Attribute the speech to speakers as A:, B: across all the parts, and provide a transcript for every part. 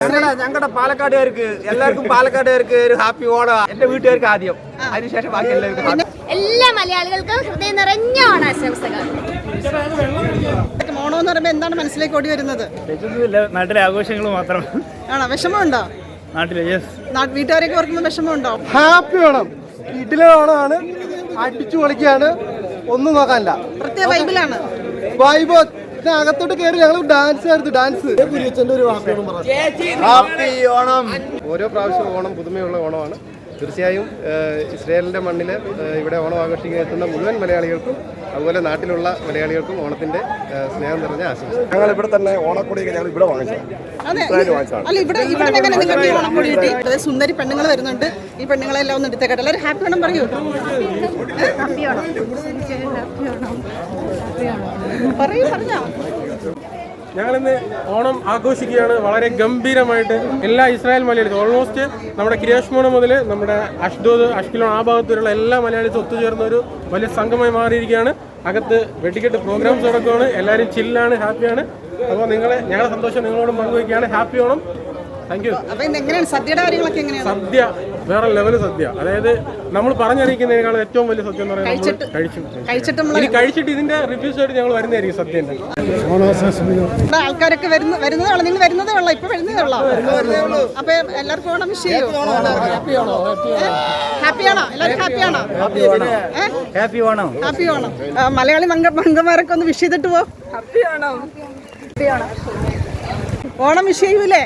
A: ഞങ്ങളുടെ പാലക്കാടുകാർക്ക് എല്ലാവർക്കും പാലക്കാടുകാർക്ക് ഒരു ഹാപ്പി ഓണം. എന്റെ വീട്ടുകാർക്ക് ആദ്യം, അതിനുശേഷം ബാക്കി എല്ലാവർക്കും.
B: എല്ലാ മലയാളികൾക്കും ഹൃദയം നിറഞ്ഞ ഓണാശംസകൾ.
C: ഓണം എന്ന് പറയുമ്പോൾ എന്താണ് മനസ്സിലേക്ക് ഓടി വരുന്നത്?
D: നാട്ടിലെ ആഘോഷങ്ങൾ മാത്രം.
C: ആണോ? വിഷമമുണ്ടോ
D: നാട്ടിലെ?
C: വീട്ടുകാരൊക്കെ ഓർക്കുമ്പോൾ വിഷമമുണ്ടോ?
E: ഹാപ്പി ഓണം, വീട്ടിലെ ഓണമാണ്, അടിച്ചു പൊളിക്കാണ്, ഒന്നും നോക്കാനില്ല.
C: പ്രത്യേക വൈബിലാണ്.
E: വൈബ് അകത്തോട്ട് കയറി ഞങ്ങൾ ഡാൻസ് ആയിരുന്നു. Dance
A: happy Onam. ഓരോ പ്രാവശ്യം ഓണം പുതുമയുള്ള ഓണമാണ്. തീർച്ചയായും ഇസ്രായേലിൻ്റെ മണ്ണിൽ ഇവിടെ ഓണം ആഘോഷിക്കാൻ എത്തുന്ന മുഴുവൻ മലയാളികൾക്കും അതുപോലെ നാട്ടിലുള്ള മലയാളികൾക്കും ഓണത്തിൻ്റെ സ്നേഹം നിറഞ്ഞ ആശംസ.
F: ഞങ്ങൾ ഇവിടെ തന്നെ ഓണക്കൊടിയൊക്കെ ഞങ്ങൾ ഇവിടെ വാങ്ങിച്ചതാണ്.
C: അല്ല, ഇവിടെ എങ്ങനെ നിങ്ങൾക്ക് ഈ ഓണക്കൊടി കിട്ടി? സുന്ദരി പെണ്ണുങ്ങൾ വരുന്നുണ്ട്. ഈ പെണ്ണുങ്ങളെല്ലാം ഒന്ന് എടുത്തേക്കട്ടെ. എല്ലാവരും ഹാപ്പി ഓണം പറയൂ. പറഞ്ഞോ.
G: ഞങ്ങളിന്ന് ഓണം ആഘോഷിക്കുകയാണ് വളരെ ഗംഭീരമായിട്ട്. എല്ലാ ഇസ്രായേൽ മലയാളികളും ഓൾമോസ്റ്റ് നമ്മുടെ കിരിയാഷ്മോണ മുതൽ നമ്മുടെ അഷ്ദോദ്, അഷ്കിലോൺ ആ ഭാഗത്തുള്ള എല്ലാ മലയാളികളും ഒത്തുചേർന്ന ഒരു വലിയ സംഘമായി മാറിയിരിക്കുകയാണ്. അകത്ത് വെടിക്കെട്ട് പ്രോഗ്രാംസ് നടക്കുകയാണ്. എല്ലാവരും ചില്ലാണ്, ഹാപ്പിയാണ്. അപ്പോൾ ഞങ്ങളുടെ സന്തോഷം നിങ്ങളോടും പങ്കുവയ്ക്കുകയാണ്. ഹാപ്പി ഓണം. Thank you.
C: എങ്ങനെയാണ് സദ്യയുടെ കാര്യങ്ങളൊക്കെ? എങ്ങനെയാണ്
G: സദ്യ? വേറെ ലെവൽ സദ്യ. അതായത് നമ്മൾ പറഞ്ഞറിയിക്കുന്നതിനേക്കാൾ ഏറ്റവും വലിയ സദ്യ എന്ന് പറയുന്നത് കഴിച്ചിട്ട് ഇതിന്റെ റിവ്യൂസ് ആയിട്ട് ഞങ്ങൾ വരുന്നതായിരിക്കും സദ്യന്റെ.
C: ആൾക്കാരൊക്കെ വരുന്നതേ ഉള്ളൂ. നിങ്ങൾ വരുന്നതേ ഉള്ളൂ, ഇപ്പൊ വരുന്നതേ ഉള്ളൂ. അപ്പൊ എല്ലാവർക്കും ഓണം വിഷ് ചെയ്യൂ. ഹാപ്പിയാണോ? എല്ലാവരും ഹാപ്പിയാണോ?
D: ഹാപ്പി ഓണം.
C: ഹാപ്പി ഓണം. മലയാളി മംഗന്മാരൊക്കെ ഒന്ന് വിഷ് ചെയ്തിട്ട് പോ. ഓണം വിഷ് ചെയ്യൂലേ?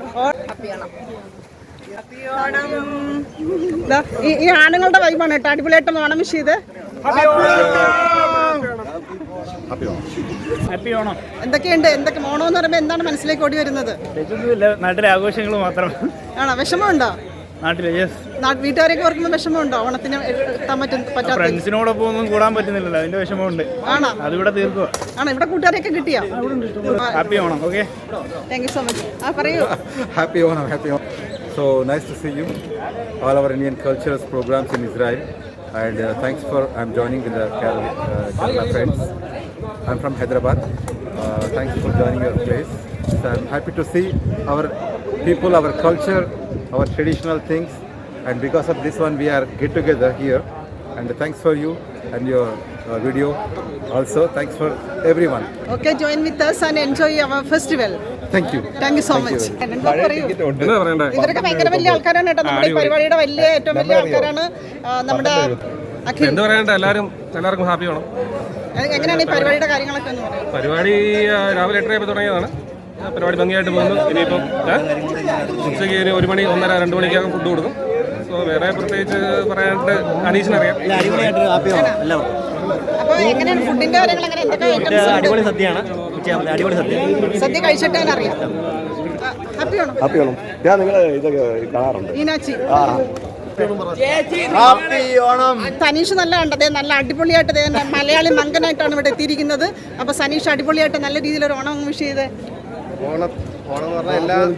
C: ഈ ആണുങ്ങളുടെ വൈബാണ് കേട്ടോ. അടിപൊളിയായിട്ടും ഓണം വിഷ് ചെയ്ത്.
D: ഹാപ്പി ഓണം.
C: എന്തൊക്കെ ഓണം എന്ന് പറയുമ്പോൾ എന്താണ് മനസ്സിലേക്ക് ഓടി വരുന്നത്?
D: നാട്ടിലെ ആഘോഷങ്ങൾ മാത്രം.
C: ആണോ? വിഷമമുണ്ടോ
D: നാട്ടിലെ?
C: വീട്ടുകാരൊക്കെ ഓർക്കുമ്പോൾ വിഷമമുണ്ടോ? ഓണത്തിന് എത്താൻ പറ്റാത്ത
D: ഫ്രണ്ട്സിനോടൊപ്പം ഒന്നും കൂടാൻ പറ്റുന്നില്ലല്ലോ, അതിന്റെ വിഷമമുണ്ട്.
C: ആണോ?
D: അതിവിടെ തീർക്കുക.
C: ആണോ? ഇവിടെ കൂട്ടുകാരെയൊക്കെ കിട്ടിയോ?
D: Happy Onam. Okay,
C: thank you so much. പറയൂ.
F: Happy Onam. Happy Onam. So nice to see you. All our Indian cultural programs in Israel, and thanks for I'm joining with the Kerala friends. I'm from Hyderabad. Thanks for joining your place. So I'm happy to see our people, our culture, our traditional things, and because of this one we are get together here. And thanks for you and your video. Also thanks for everyone.
C: Okay, join with us and enjoy our festival.
F: Thank you.
C: Thank you so much. ഇവരൊക്കെ ഭയങ്കര വലിയ ആൾക്കാരാണ് കേട്ടോ. നമ്മുടെ പരിപാടിയുടെ ഏറ്റവും വലിയ ആൾക്കാരാണ്. നമ്മുടെ
G: എന്താ പറയണ്ട, എല്ലാവർക്കും ഹാപ്പി ഓണം.
C: എങ്ങനെയാണ് ഈ പരിപാടിയുടെ കാര്യങ്ങളൊക്കെ എന്ന് പറയുന്നത്?
G: പരിപാടി രാവിലെ 8:30 തുടങ്ങിയതാണ്. പരിപാടി ഭംഗിയായിട്ട് പോകുന്നു. ഇനിയിപ്പം ഉച്ചയ്ക്ക് 1 മണി 1:30 2 മണിക്കകം ഫുഡ് കൊടുക്കും. സോ വേറെ പ്രത്യേകിച്ച് പറയാനായിട്ട് അനീഷിനറിയാം.
C: അപ്പൊ എങ്ങനെയാണ് ഫുഡിന്റെ കാര്യങ്ങൾ?
D: അടിപൊളി സദ്യയാണ്. അടിപൊളി
C: സദ്യ കഴിച്ചിട്ട് അറിയാം. ഹാപ്പി ഓണം.
F: ഹാപ്പി ഓണം. ഞാൻ നിങ്ങളെ ഇതൊക്കെ കാണാറുണ്ട്.
C: ഈനാച്ചി
A: ഹാപ്പി ഓണം.
C: സനീഷ് നല്ല കണ്ടത്, നല്ല അടിപൊളിയായിട്ട് മലയാളി മങ്കനായിട്ടാണ് ഇവിടെ എത്തിയിരിക്കുന്നത്. അപ്പൊ സനീഷ് അടിപൊളിയായിട്ട് നല്ല രീതിയിൽ ഒരു ഓണം വിഷ് ചെയ്ത്.
A: ഓണം എന്ന് പറഞ്ഞാൽ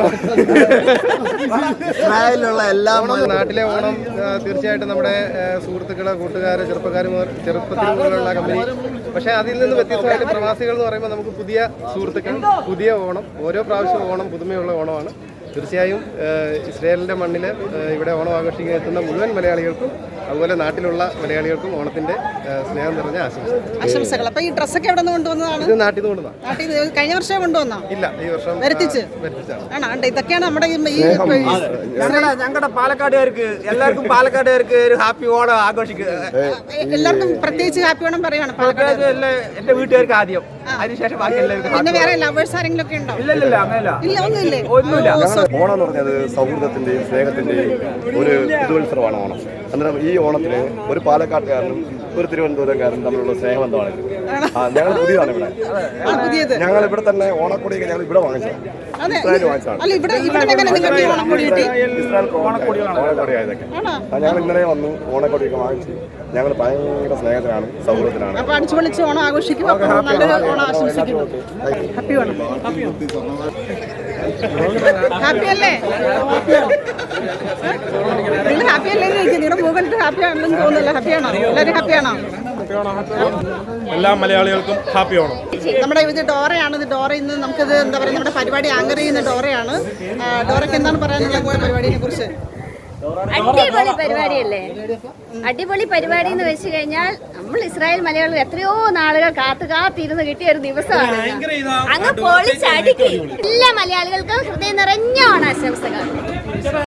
A: ഇസ്രായേലിലുള്ള എല്ലാ നാട്ടിലെ ഓണം തീർച്ചയായിട്ടും നമ്മുടെ സുഹൃത്തുക്കള്, കൂട്ടുകാര്, ചെറുപ്പത്തിൽ മുതലുള്ള കമ്പനി. പക്ഷേ അതിൽ നിന്ന് വ്യത്യസ്തമായിട്ട് പ്രവാസികൾ എന്ന് പറയുമ്പോൾ നമുക്ക് പുതിയ സുഹൃത്തുക്കൾ, പുതിയ ഓണം. ഓരോ പ്രാവശ്യം ഓണം പുതുമയുള്ള ഓണമാണ്. തീർച്ചയായും ഇസ്രായേലിൻ്റെ മണ്ണിൽ ഇവിടെ ഓണം ആഘോഷിക്കാൻ എത്തുന്ന മുഴുവൻ മലയാളികൾക്കും അതുപോലെ നാട്ടിലുള്ള മലയാളികൾക്കും ഓണത്തിന്റെ സ്നേഹം നിറഞ്ഞ
C: ആശംസകൾ. അപ്പൊ ഈ ഡ്രസ്സൊക്കെ എവിടെ നിന്ന് കൊണ്ടുവന്നതാണ്?
A: ഇത് നാട്ടിൽ നിന്ന് കൊണ്ടുവന്നതാണ്.
C: കഴിഞ്ഞ വർഷം കൊണ്ടുവന്നോ?
A: ഇല്ല, ഈ വർഷം
C: വരുത്തിച്ചാണ്. ഇതൊക്കെയാണ് നമ്മുടെ
A: ഞങ്ങളുടെ പാലക്കാടുകാർക്ക് എല്ലാവർക്കും പാലക്കാടുകാർക്ക് ഒരു ഹാപ്പി ഓണം ആഘോഷിക്കുക.
C: എല്ലാവർക്കും പ്രത്യേകിച്ച് ഹാപ്പി ഓണം പറയാണ്.
A: എന്റെ വീട്ടുകാർക്ക് ആദ്യം, അതിനുശേഷം ബാക്കി എല്ലാവർക്കും.
C: പിന്നെ വേറെ ലവേഴ്സ് ആരെങ്കിലും ഒക്കെ ഉണ്ടോ?
A: ഇല്ല, അങ്ങനെയല്ല.
C: ഒന്നുമില്ല.
F: ഓണം എന്ന് പറഞ്ഞത് സൗഹൃദത്തിന്റെയും സ്നേഹത്തിന്റെയും ഒരു പുതുവത്സരമാണ് ഓണം. അന്നേരം ഈ ഓണത്തിന് ഒരു പാലക്കാട്ടുകാരനും ഒരു തിരുവനന്തപുരംകാരനും തമ്മിലുള്ള സ്നേഹബന്ധമാണ്. ഞങ്ങൾ പുതിയതാണ് ഇവിടെ. ഞങ്ങൾ ഇവിടെ തന്നെ ഓണക്കൊടിയൊക്കെ ഞങ്ങൾ ഇവിടെ വാങ്ങിച്ചതാണ്. ഓണക്കൊടിയായതൊക്കെ ഞങ്ങൾ ഇന്നലെ വന്നു ഓണക്കൊടിയൊക്കെ വാങ്ങിച്ച് ഞങ്ങൾ ഭയങ്കര സ്നേഹത്തിലാണ്, സൗഹൃദത്തിലാണ്.
C: ഓണം ആഘോഷിക്കും. ഹാപ്പി അല്ലേ? നിങ്ങൾ ഹാപ്പി അല്ലേ? നിങ്ങളുടെ മുഖത്ത് ഹാപ്പി ആണെന്ന് തോന്നുന്നില്ല. ഹാപ്പിയാണോ? എല്ലാവരും ഹാപ്പിയാണോ?
G: എല്ലാ മലയാളികൾക്കും ഹാപ്പി ഓണം.
C: നമ്മുടെ ഇത് ഡോറയാണ്. ഇത് ഡോറ ഇന്ന് നമുക്കിത് എന്താ പറയുക, നമ്മുടെ പരിപാടി ആങ്കർ ചെയ്യുന്ന ഡോറയാണ്. ഡോറയ്ക്ക് എന്താണ് പറയാനുള്ളത് പരിപാടിയെ കുറിച്ച്?
B: അടിപൊളി പരിപാടിയല്ലേ? അടിപൊളി പരിപാടി എന്ന് വെച്ച് കഴിഞ്ഞാൽ നമ്മൾ ഇസ്രായേൽ മലയാളികൾ എത്രയോ നാളുകൾ കാത്തിരുന്ന് കിട്ടിയ ഒരു ദിവസമാണ്. അങ്ങ് പൊളിച്ചടിക്കും. എല്ലാ മലയാളികൾക്കും ഹൃദയം നിറഞ്ഞ ഓണാശംസകൾ.